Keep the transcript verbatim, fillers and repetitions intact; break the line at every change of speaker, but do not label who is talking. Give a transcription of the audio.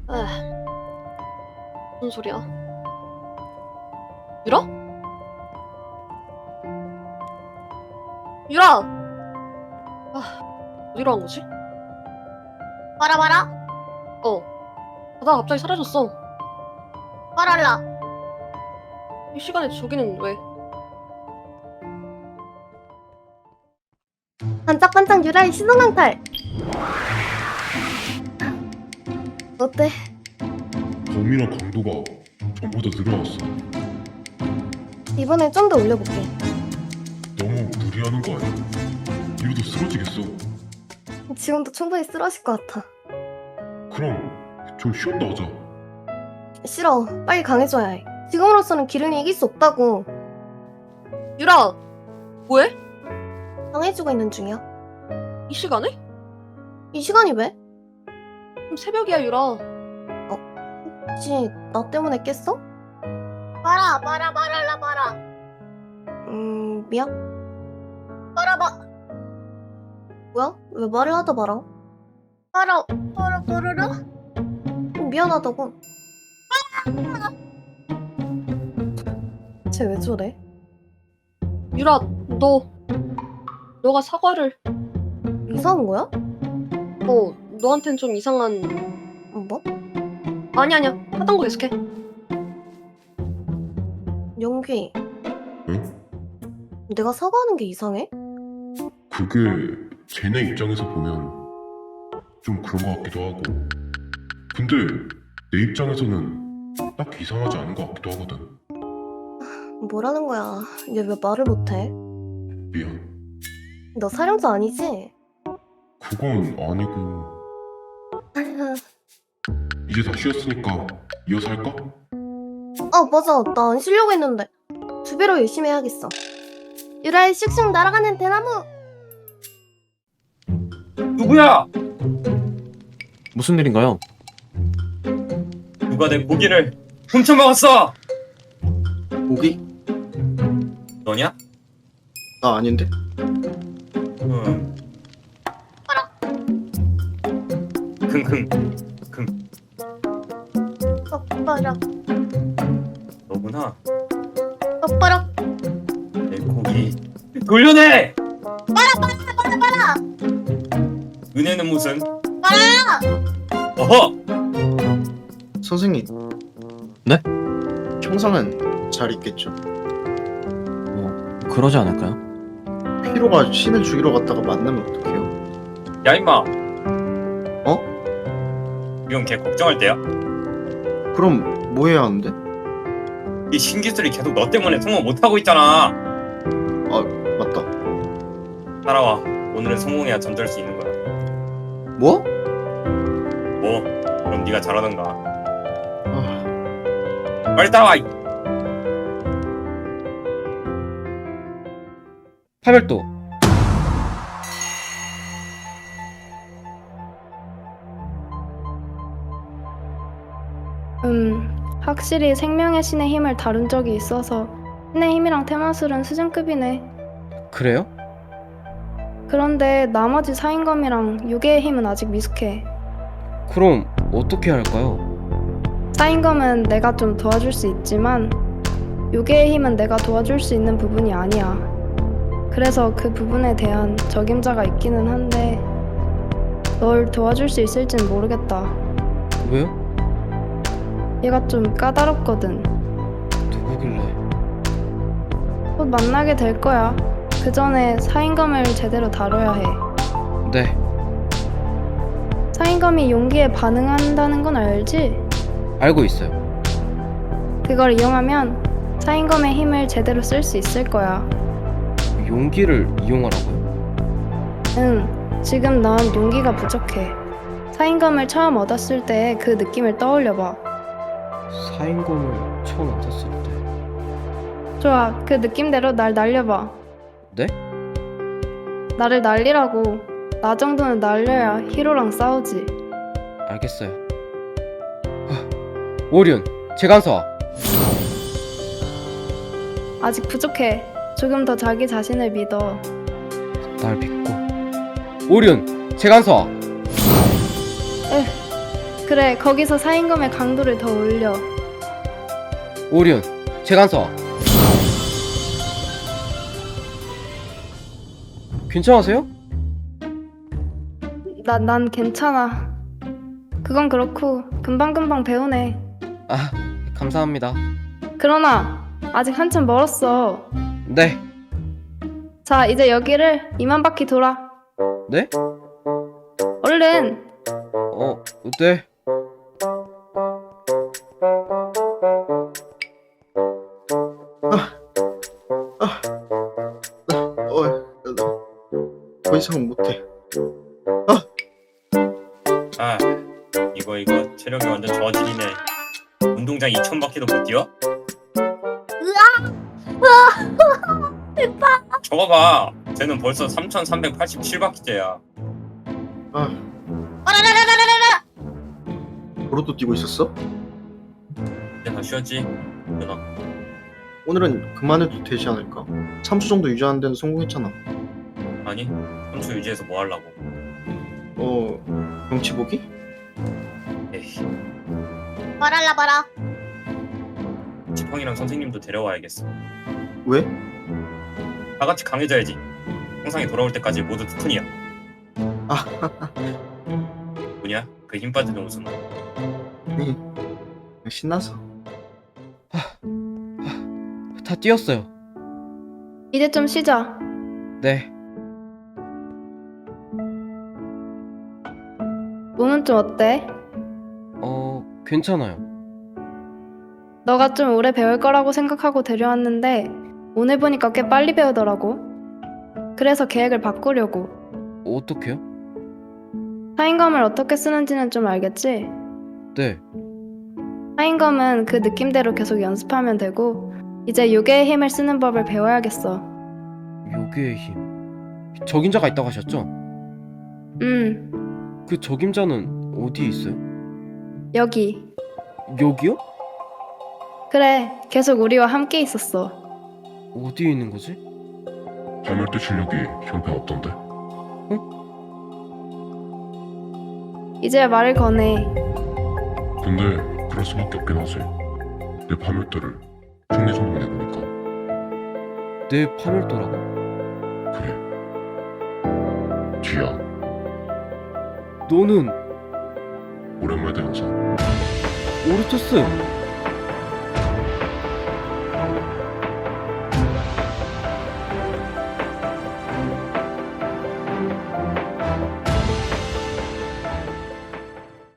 에, 무슨 소리야? 유라? 유라! 아, 어디로 간 거지?
봐라 봐라
어, 바다가 갑자기 사라졌어.
봐랄라.
이 시간에 저기는 왜?
반짝반짝 유라의 시선강탈. 어때?
범위랑 강도가 전보다 늘어났어.
이번엔 좀 더 올려볼게.
너무 무리하는 거 아니야? 이러다 쓰러지겠어.
지금도 충분히 쓰러질 것 같아.
그럼 좀 쉬었다 하자.
싫어. 빨리 강해져야 해. 지금으로서는 기른이 이길 수 없다고.
유라! 뭐해?
강해지고 있는 중이야.
이 시간에?
이 시간이 왜?
지금 새벽이야, 유라.
혹시 나 때문에 깼어?
봐라 봐라 봐랄라 봐라
음... 미안?
봐라 봐
뭐야? 왜 말을 하다 말아?
봐라 봐라 봐라라
음, 미안하다고. 쟤 왜 저래?
유라, 너, 너가 사과를,
이상한 거야?
어, 너한텐 좀 이상한,
뭐?
아니 아니야. 하던 거 계속해.
영귀,
응?
내가 사과하는 게 이상해?
그게 쟤네 입장에서 보면 좀 그런 거 같기도 하고. 근데 내 입장에서는 딱히 이상하지 않은 거 같기도 하거든.
뭐라는 거야? 얘 왜 말을 못해?
미안.
너 사령자 아니지?
그건 아니고. 이제 다 쉬었으니까 이어서 할까?
아 맞아, 나 안 쉬려고 했는데 두 배로 열심히 해야겠어. 유라의 슉슉 날아가는 대나무.
누구야?
무슨 일인가요?
누가 내 고기를 훔쳐먹었어?
고기?
너냐?
나 아닌데?
응. 킁킁 킁
엎어라
너구나.
엎어라.
내 고기 돌려내!
봐라 봐라
은혜는 무슨?
봐라
어허!
선생님.
네?
형상은 잘 있겠죠?
뭐 그러지 않을까요?
피로가 신을 죽이러 갔다가 만나면 어떡해요?
야 임마.
어?
이건 걔 걱정할 때야?
그럼 뭐 해야 하는데?
이 신기술이 계속 너 때문에 성공 못하고 있잖아.
맞다.
따라와. 오늘은 성공해야 잠들 수 있는 거야.
뭐?
뭐? 그럼 네가 잘하던가.
아,
빨리 따라와. 이
팔별도
음, 확실히 생명의 신의 힘을 다룬 적이 있어서 신의 힘이랑 테마술은 수준급이네.
그래요?
그런데 나머지 사인검이랑 유괴의 힘은 아직 미숙해.
그럼 어떻게 할까요?
사인검은 내가 좀 도와줄 수 있지만 유괴의 힘은 내가 도와줄 수 있는 부분이 아니야. 그래서 그 부분에 대한 적임자가 있기는 한데 널 도와줄 수 있을진 모르겠다.
왜요?
얘가 좀 까다롭거든.
누구길래?
곧 만나게 될 거야. 그 전에 사인검을 제대로 다뤄야 해.
네,
사인검이 용기에 반응한다는 건 알지?
알고 있어요.
그걸 이용하면 사인검의 힘을 제대로 쓸 수 있을 거야.
용기를 이용하라고요?
응, 지금 넌 용기가 부족해. 사인검을 처음 얻었을 때 그 느낌을 떠올려봐.
사인검을 처음 얻었을 때.
좋아, 그 느낌대로 날 날려봐.
네?
나를 날리라고. 나 정도는 날려야 히로랑 싸우지.
알겠어요. 하, 오륜, 재간서와.
아직 부족해. 조금 더 자기 자신을 믿어.
날 믿고. 오륜, 재간서와.
그래, 거기서 사인검의 강도를 더 올려.
오리온, 재간서와. 괜찮으세요?
나, 난 괜찮아. 그건 그렇고 금방금방 배우네.
아, 감사합니다.
그러나 아직 한참 멀었어.
네.
자, 이제 여기를 이만 바퀴 돌아.
네?
얼른.
어, 네.
어, 나 더 이상은 못해.
아 이거 이거 체력이 완전 저질이네. 운동장 이천 바퀴도 못 뛰어? 저거 봐. 쟤는 벌써 삼천삼백팔십칠 바퀴째야.
아,
빠라라라라라라.
도로도 뛰고 있었어?
이제 다 쉬었지? 누나.
오늘은 그만해도 되지 않을까? 삼 수 정도 유지하는 데는 성공했잖아.
아니 삼 초 유지해서 뭐 하려고.
어, 경치 보기?
에이
빠랄라 빠라.
지팡이랑 선생님도 데려와야겠어.
왜?
다 같이 강해져야지. 형상이 돌아올 때까지 모두 투푼이야.
아,
뭐냐? 그 힘 빠지는 웃음.
네. 신나서.
다 뛰었어요.
이제 좀 쉬자.
네.
몸은 좀 어때?
어, 괜찮아요.
너가 좀 오래 배울 거라고 생각하고 데려왔는데 오늘 보니까 꽤 빨리 배우더라고. 그래서 계획을 바꾸려고.
어떡해요?
사인검을 어떻게 쓰는지는 좀 알겠지?
네.
사인검은 그 느낌대로 계속 연습하면 되고 이제 요괴의 힘을 쓰는 법을 배워야겠어.
요괴의 힘. 적임자가 있다고 하셨죠?
음,
그 적임자는 어디에 있어요?
여기.
여기요?
그래, 계속 우리와 함께 있었어.
어디에 있는 거지?
파멸대 실력이 형편없던데.
이제 말을 거네.
근데 그럴 수밖에 없긴 하지. 내 파멸대를 승리 성공해보니까.
내 파멸도라고?
그래. 뒤야.
너는
오랜만에 영상.
오르토스!